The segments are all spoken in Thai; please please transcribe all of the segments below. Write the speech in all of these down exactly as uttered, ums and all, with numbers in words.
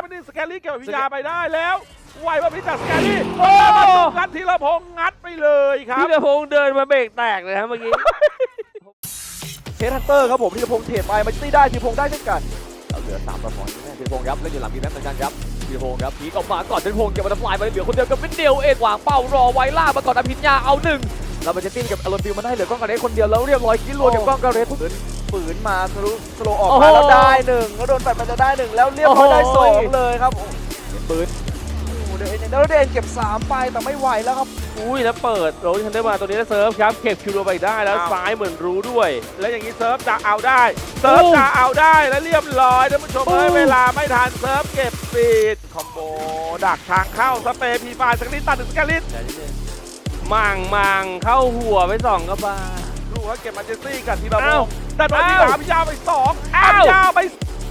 แล้วนี่สแกลลี่เก็บพิญญาไปได้แล้วไวว่าพิจากสแกลลี่โอ้งัดธีรพงษ์งัดไปเลยครับธีรพงษ์เดินมาเบรกแตกเลยครับเมื่อกี้เทสฮันเตอร์ครับผมธีรพงษ์เทรดไปมันตีได้ธีรพงษ์ได้เช่นกันเราเหลือสามประพรแน่ธีรพงษ์ครับเล่นอยู่หลังดีแม็กเหมือนกันครับธีรพงษ์ครับพีกออกมาก่อนธีรพงษ์เก็บบัตเตอร์ฟลายไปเหลือคนเดียวกับวินเดียวเองวางเป้ารอไว้ล่ามาก่อนอภิญญาเอาหนึ่งเราไปเจติ้งกับอารอนฟิลมาได้เหลือกล้องกระเรสคนเดียวแล้วเรียบร้อยคิดรัวกับกล้องกระเรสฝืนฝืนมาสโลสโลออกมาแล้วได้หนึ่งแล้วโดนแฟนมันจะได้หนึ่งแล้วเรียบร้อยได้สองเลยครับปืนเดนแล้วเดนเก็บสามไปแต่ไม่ไหวแล้วครับอุ้ยแล้วเปิดโรลทันได้มาตัวนี้แล้วเซิร์ฟครับเก็บคิวโรไปได้แล้วซ้ายเหมือนรู้ด้วยแล้วอย่างนี้เซิร์ฟจะเอาได้เซิร์ฟจะเอาได้แล้วเรียบร้อยท่านผู้ชมเอ้ยเวลาไม่ทันเซิร์ฟเก็บปีดคอมโบดักทางเข้าสเปรย์พีฟายสกลิตตัดถึงสกลิตมังมังเข้าหัวไปสองกระบาดูว่าเก็บมาเจสซี่กับทีละอ้าวงแต่ตอนนี้อ้าวอภิญญาไปสองอ้าวอภิญญาไป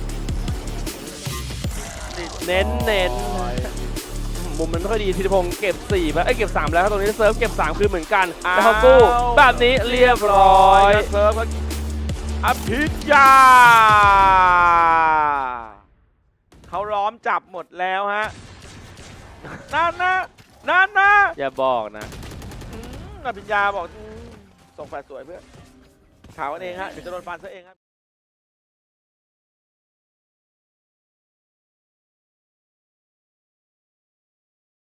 เน้นเน้นมุมมันไม่ค่อยดีธีรพงษ์เก็บสี่ไปเอ้ยเก็บสามแล้วครับตรงนี้เซิร์ฟเก็บสามคืนเหมือนกันแล้วเขากู้แบบนี้เรียบร้อยเซิร์ฟอภิญญาเขาล้อมจับหมดแล้วฮะนั่นนะนั่นนะอย่าบอกนะอืมอภิญญาบอกอืมส่งแฟลชสวยเพื่อนข่าวกันเองฮะเดี๋ยวจะโดนฟันซะเองครับ